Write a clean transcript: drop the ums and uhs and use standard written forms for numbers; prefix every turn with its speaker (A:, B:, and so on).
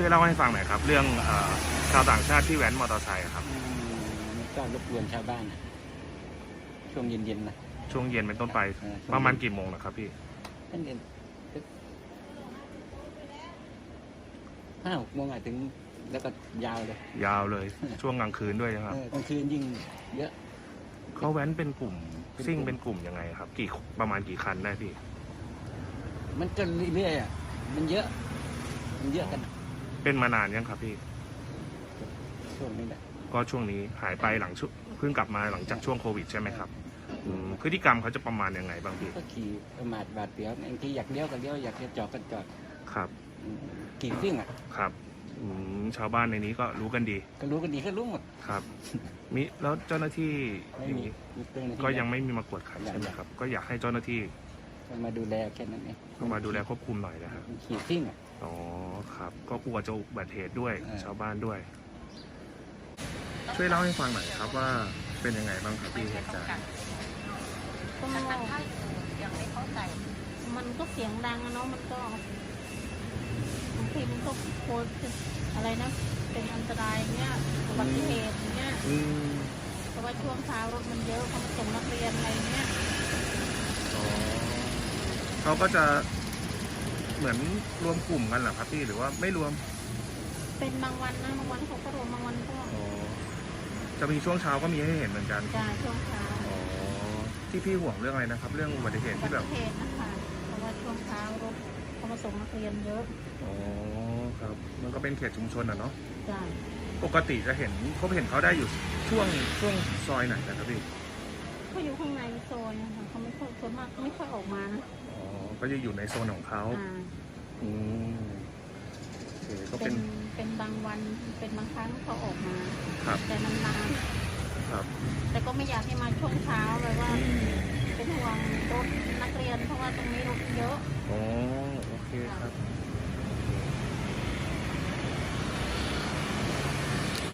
A: ช่วยเล่าให้ฟังหน่อยครับเรื่องชาวต่างชาติที่แว้นมอเตอร์ไซค์ครับ
B: ก็รบกวนชาวบ้านช่วงเย็นๆนะ
A: ช่วงเย็นเป็นต้นไปประมาณกี่โมงนะครับพี่
B: ตั้งแต่5-6 โมงถึงแล้วก็ยาวเลย
A: ช่วงกลางคืนด้วยนะครับ
B: กลางคืนยิ่งเยอะ
A: เขาแว้นเป็นกลุ่มซิ่งเป็นกลุ่มยังไงครับประมาณกี่คันได้พี่
B: มันก็เรื่อยๆมันเยอะกัน
A: เป็นมานานยังครับพี่
B: ช่วงนี้แหละ
A: ก็ช่วงนี้หายไปเพิ่งกลับมาหลังจากช่วงโควิดใช่ไหมครับพฤติกรรมเขาจะประมาณยังไงบ้างพี่
B: ก็ขี่ประมาทบาดเสียวบางทีอยากเลี้ยวก็เลี้ยวอยากจะจอดก็จอด
A: ครับ
B: ขี่ซิ่ง
A: ครับชาวบ้านในนี้ก็รู้กันดี
B: ก็รู้หมด
A: ครับแล้วเจ้าหน้าที่ก็ยังไม่มีมากวดขันใช่ไหมครับก็อยากให้เจ้าหน้าที่
B: มาดูแลแค่นั้นเอง
A: มาดูแลควบคุมหน่อยนะครับ
B: ขี่ซิ่ง
A: อ๋อครับก็กลัวจะอุบัติเหตุด้วยชาวบ้านด้วยช่วยเล่าให้ฟังหน่อยครับว่าเป็นยังไงบ้างครับพี่เหตุการณ์
C: ก็ยังไม่เข้าใจมันก็เสียงดังเนาะมันก็บางทีมันก็โคตรอะไรนะเป็นอันตรายเนี้ยอุบัติเหตุเนี้ยเพราะว่าช่วงเช้ารถมันเยอะเขามาส่งนักเรียนอะไรเนี้ย
A: เขาก็จะเหมือนรวมกลุ่มกันเหรอครับพี่หรือว่าไม่รวม
C: เป็นบางวันนะบางวันเขาก็รวมบางวันก็
A: จะมีช่วงเช้าก็มีให้เห็นเหมือนกัน
C: ใช่ช่วงเช้า
A: ที่พี่ห่วงเรื่องอะไรนะครับเรื่องอุบัติเหตุที่แบบ
C: อุบัติเหตุนะคะเพราะว่าช่วงเช้ารถเขามาส่งนักเรียนเยอะ
A: ครับมันก็เป็นเขตชุมชนเนาะ
C: ใช่
A: ปกติจะเห็นเขาได้อยู่ช่วงซอยไหนนะครับพี่
C: เขาอยู่ข้างในโซนนะคะเขาไม่ค่อยส่วนมากไม่ค่อยออกมานะ
A: ก็จะอยู่ในโซนของเขาก็
C: เป็นบางวันเป็นบางครั้งเขาออกมา
A: ครับ
C: แต่นาน
A: ๆครับ
C: แต่ก็ไม่อยากให้มาช่วงเช้าเลยว่าเป็นห่วงรถนักเรียน